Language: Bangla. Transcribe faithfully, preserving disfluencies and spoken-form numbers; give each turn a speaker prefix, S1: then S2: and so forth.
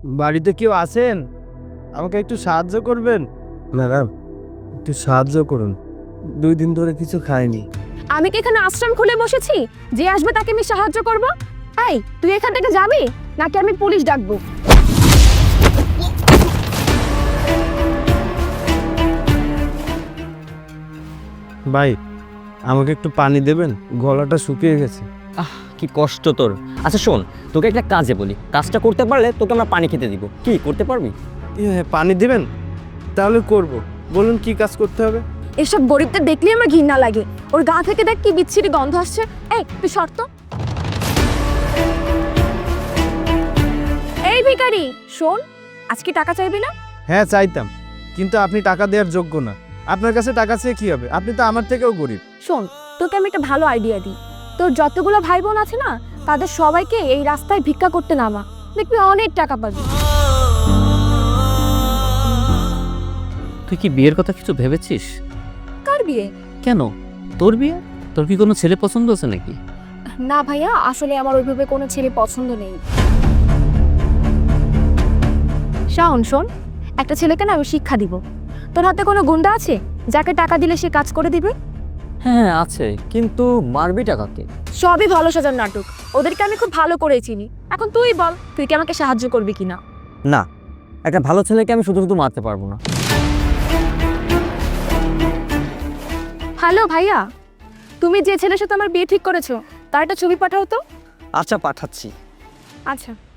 S1: বাড়িতে কেউ আছেন? আমাকে একটু সাহায্য করবেন? ম্যাডাম, একটু সাহায্য করুন। দুই দিন ধরে কিছু খাইনি।
S2: আমি কি এখানে আশ্রম খুলে বসেছি যে আসবে তাকে আমি সাহায্য করব? এই, তুই এখান থেকে যাবি নাকি আমি পুলিশ ডাকবো?
S1: ভাই, আমাকে একটু পানি দেবেন? গলাটা শুকিয়ে গেছে।
S3: আহ কি কষ্ট তোর। আচ্ছা শোন, তোকে একটা কাজে বলি, কাজটা করতে পারলে তোকে আমরা পানি খেতে দিব। কি করতে পারবি?
S1: হ্যাঁ, পানি দিবেন? তাহলে করব। বলুন কি কাজ করতে হবে?
S2: এসব গরিবদের দেখলেই আমার ঘৃণা লাগে। ওর গা থেকে দেখ কি বিচ্ছিরি গন্ধ আসছে। এই, তুই শর্ত। এই ভিখারি, শোন, আজকে টাকা চাইবি না?
S1: হ্যাঁ চাইতাম, কিন্তু আপনি টাকা দেওয়ার যোগ্য না। আপনার কাছে টাকা চেয়ে কি হবে? আপনি তো আমার থেকেও গরিব।
S2: শোন, তোকে আমি একটা ভালো আইডিয়া দিই। তোর যতগুলো ভাই বোন আছে না, তাদের সবাইকে এই রাস্তায় ভিক্ষা করতে নামা, দেখবি অনেক টাকা পাবি।
S4: তুই কি বিয়ের কথা কিছু ভেবেছিস?
S2: কার বিয়ে?
S4: কেন, তোর বিয়ে? তোর কি কোনো ছেলে পছন্দ আছে নাকি?
S2: না ভাইয়া, আসলে আমার ওইভাবে কোনো ছেলে পছন্দ নেই। শাওন, শোন, একটা ছেলেকে না আমি শিক্ষা দিব। তোর হাতে কোনো গুন্ডা আছে যাকে টাকা দিলে সে কাজ করে দিবে?
S3: হ্যাঁ আছে, কিন্তু মারবি টাকাকে।
S2: সবই ভালো সাজার নাটক। ওদেরকে আমি খুব ভালো করে চিনি। এখন তুই বল, তুই কি আমাকে সাহায্য করবি কিনা?
S3: না, একটা ভালো ছেলেকে আমি শুধু শুধু মারতে পারবো না।
S2: হ্যালো ভাইয়া, তুমি যে ছেলের সাথে আমার বিয়ে ঠিক করেছো তার একটা ছবি পাঠাও তো।
S3: আচ্ছা পাঠাচ্ছি।
S2: আচ্ছা।